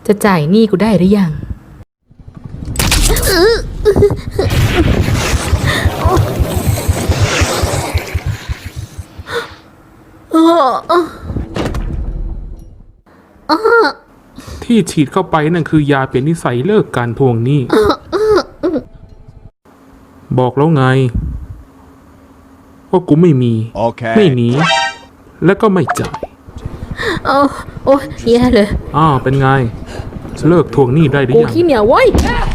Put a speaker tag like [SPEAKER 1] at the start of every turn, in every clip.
[SPEAKER 1] จะจ่ายหนี้กูได้หรือยัง
[SPEAKER 2] ที่ฉีดเข้าไปนั่นคือยาเปลี่ยนนิสัยเลิกการทวงหนี้บอกแล้วไงว่ากูไม่มี ไม่หนีและก็ไม่จ่าย
[SPEAKER 1] โอ้แย่เลย
[SPEAKER 2] เป็นไงเลิกทวงหนี้ได้หรือยัง
[SPEAKER 1] กูขี้เหนียวเว้ย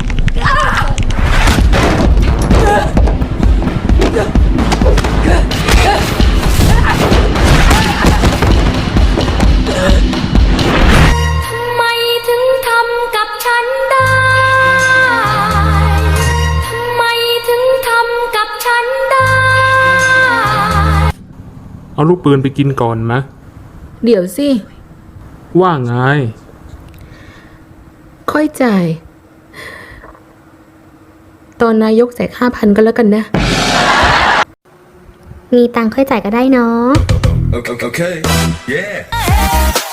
[SPEAKER 2] เอาลูกปืนไปกินก่อนไหม
[SPEAKER 1] เดี๋ยวสิ
[SPEAKER 2] ว่าไง
[SPEAKER 1] ค่อยจ่ายตอนนายกแจก5,000ก็แล้วกันนะ
[SPEAKER 3] มีตังค์ค่อยจ่ายก็ได้เนาะ
[SPEAKER 4] Okay. Yeah.